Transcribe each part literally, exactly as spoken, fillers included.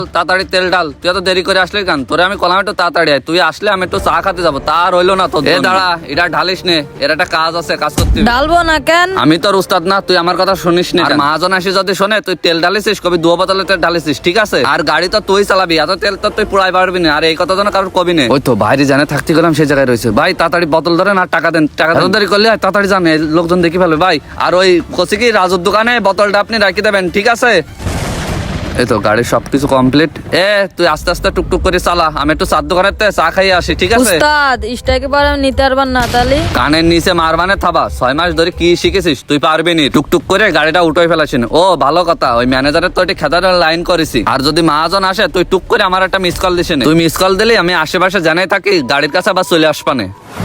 তাড়াতাড়ি তেল ডাল। তুই এত দেরি করে আসলে কেন? তোরে আমি কলাম একটু তাড়াতাড়ি আয়। তুই আসলে আমি একটু চা খাতে যাবো, তার হইলো না তো। এ দাঁড়া, এটা ঢালিস নে, এর একটা কাজ আছে, কাজ করতে হবে। ডালবো না কেন? আমি তোর উস্তাদ না, তুই আমার কথা শুনিস না। আর মহাজন আসি যদি শোনে তুই তেল ঢালিছিস, কবি দুয়া বোতলে তেল ঢালিছিস, ঠিক আছে? আর গাড়ি তো তুই চালাবি, এত তেল তো তুই পুরাই পারবি না। আর এই কথা যেন কারোর কবি নেই। ওই তো বাইরে জানে থাকতে গেলাম, সেই জায়গায় রয়েছে। ভাই তাড়াতাড়ি বোতল ধরেন আর টাকা দেন। টাকা দেরি করলে তাড়াতাড়ি জানে, লোকজন দেখি ফেলবে ভাই। আর ওই কচি কি রাজুর দোকানে বোতলটা আপনি রাখি দেবেন, ঠিক আছে? এই তো গাড়ির সবকিছু কমপ্লিট। এ তুই আস্তে আস্তে টুকটুক করে চালা, আমি একটু চার দোকানের চা খাইয়ে আসি, ঠিক আছে? উস্তাদ স্ট্রাইকে পারে আমি নিতে পারবার না তাহলে? কানের নিচে মারবানে থাবা, ছয় মাস ধরে কি শিখেছিস তুই? পারবি নি। টুকটুক করে গাড়িটা উঠে ফেলাছিস। ও ভালো কথা, ওই ম্যানেজারের তো একটি খেদার লাইন করেছি। আর যদি মহাজন আসে তুই টুক করে আমার একটা মিস কল দিস। তুই মিস কল দিলে আমি আশেপাশে জানাই থাকি, গাড়ির কাছে আবার চলে আসবানে।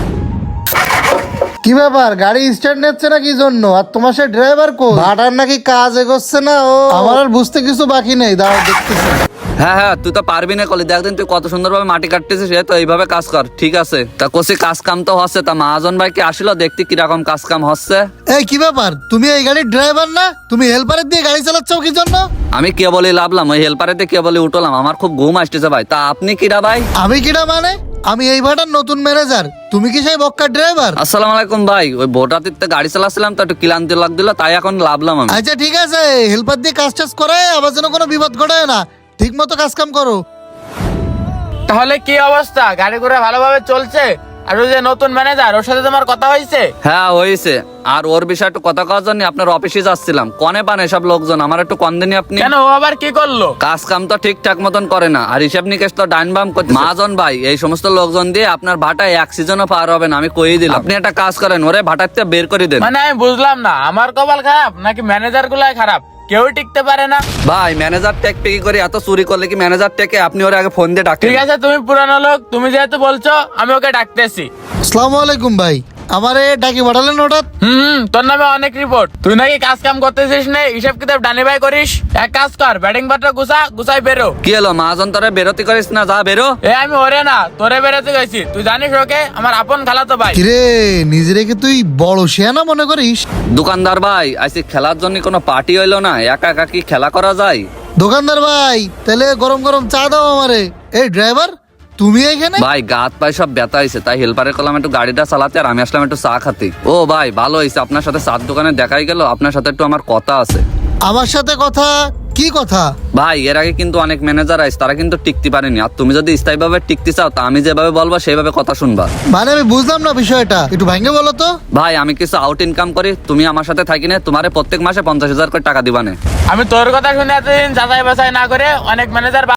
কি ব্যাপার, গাড়ি স্টার্ট নিচ্ছে না কি জন্য? আর তোমার সে ড্রাইভার কো? ভাটার নাকি কাজ এগোচ্ছে না? ও আমার আর বুঝতে কিছু বাকি নেই, দাঁড়াও দেখতেছি। হ্যাঁ হ্যাঁ, তুই তো পারবি না কলি। দেখদিন তুই কত সুন্দরভাবে মাটি কাটতেছিস, তো এইভাবে কাজ কর, ঠিক আছে? তা কোসি কাজ কাম তো হচ্ছে। তা মহাজন ভাই কি আসলো দেখতে কিরকম কাজ কাম হচ্ছে? এই কি ব্যাপার, তুমি এই গাড়ির ড্রাইভার না? তুমি হেল্পারের দিয়ে গাড়ি চালাচ্ছ কি জন্য? আমি কে বলে লাভলাম, ওই হেল্পারেতে কে বলে উঠলাম। আমার খুব ঘুম আসতেছে ভাই। তা আপনি কিরা ভাই? আমি কিটা মানে? আমি এই ভাটার নতুন ম্যানেজার। তুমি কি সেই বক্কার ড্রাইভার? আসসালামু আলাইকুম ভাই। ওই ভোটাতিতে গাড়ি চালাচ্ছিলাম তো, একটু ক্লান্তি লাগছিল, তাই এখন লাভলাম আমি। আচ্ছা ঠিক আছে, হেল্পার দিয়ে কাজ টাজ করে আবার যেন কোনো বিপদ ঘটায় না। ঠিক মতো কাজ কাম করো। তাহলে কি অবস্থা? গাড়ি ঘোড়া ভালোভাবে চলছে? আর ওই যে নতুন ম্যানেজার, ওর সাথে তোমার কথা হয়েছে? হ্যাঁ হয়েছে। আর ওর বিষয়ে একটু কথা কওয়ার জন্য আপনার অফিসে যাচ্ছিলাম। কনে পান এসব লোকজন, আমার একটু কন দিনই আপনি। কেন, ও আবার কি করলো? কাজ কাম তো ঠিকঠাক মতন করে না, আর হিসাব নিকেশ তো ডাইন বাম করতে। মহাজন ভাই, এই সমস্ত লোকজন দিয়ে আপনার ভাটায় এক সিজনও পার হবে না, আমি কই দিলাম। আপনি একটা কাজ করেন, ওরে ভাটাতে বের করে দেন। মানে আমি বুঝলাম না, আমার কপাল খারাপ নাকি ম্যানেজার গুলাই খারাপ? কেউ টিকতে পারে না ভাই। ম্যানেজার টেক পেকি করে এত চুরি করলে কি ম্যানেজার টেকে? আপনি ওরে আগে ফোন দিয়ে ডাকেন। ঠিক আছে, তুমি পুরানো লোক, তুমি যেহেতু বলছো আমি ওকে ডাকতেছি। আসসালামু আলাইকুম ভাই, আমারে ডাকি পাঠালেন হঠাৎ? হুম হুম, তোর নামে অনেক রিপোর্ট। তুই নাকি কাজ কাম করতেছিস না, হিসাব কিতাব ডানি ভাই করিস। এক কাজ কর, ব্যাটিং পাত্র গুছা গুছাই বেরো। কি হলো মহাজন, তোরে বেরোতে করিস না? যা বেরো। এ আমি ওরে না, তোরে বেরোতে গেছি। তুই জানিস ওকে আমার আপন খালাতো ভাই। কিরে, নিজেকে তুই বড় শেয়ানা মনে করিস? দোকানদার ভাই, আজকে খেলার জন্য কোনো পার্টি হইলো না, একা একা কি খেলা করা যায়? দোকানদার ভাই, তাহলে গরম গরম চা দাও আমারে। এই ড্রাইভার, তুমি এখানে? ভাই গাত পায়ে সব ব্যথা হয়েছে, তাই হেল্পারের কলাম একটু গাড়িটা চালাতে, আর আমি আসলাম একটু চা খাতে। ও ভাই ভালো হয়েছে, আপনার সাথে চার দোকানে দেখাই গেল। আপনার সাথে একটু আমার কথা আছে। আমার সাথে কথা? কি কথা? ভাই এর আগে কিন্তু অনেক ম্যানেজার আইস, তারা কিন্তু টিকতে পারেনি। আর তুমি যদি স্থায়ীভাবে টিকতে চাও, তা আমি যেভাবে বলবো সেইভাবে কথা শুনবা। মানে আমি বুঝলাম না বিষয়টা, একটু ভাঙে বলো তো। ভাই আমি কিছু আউট ইনকাম করি, তুমি আমার সাথে থাকি না, তোমারে প্রত্যেক মাসে পঞ্চাশ হাজার করে টাকা দিবানে। আমি তোর কথা শুনে এতদিন যাচাই বাছাই না করে অনেক ম্যানেজার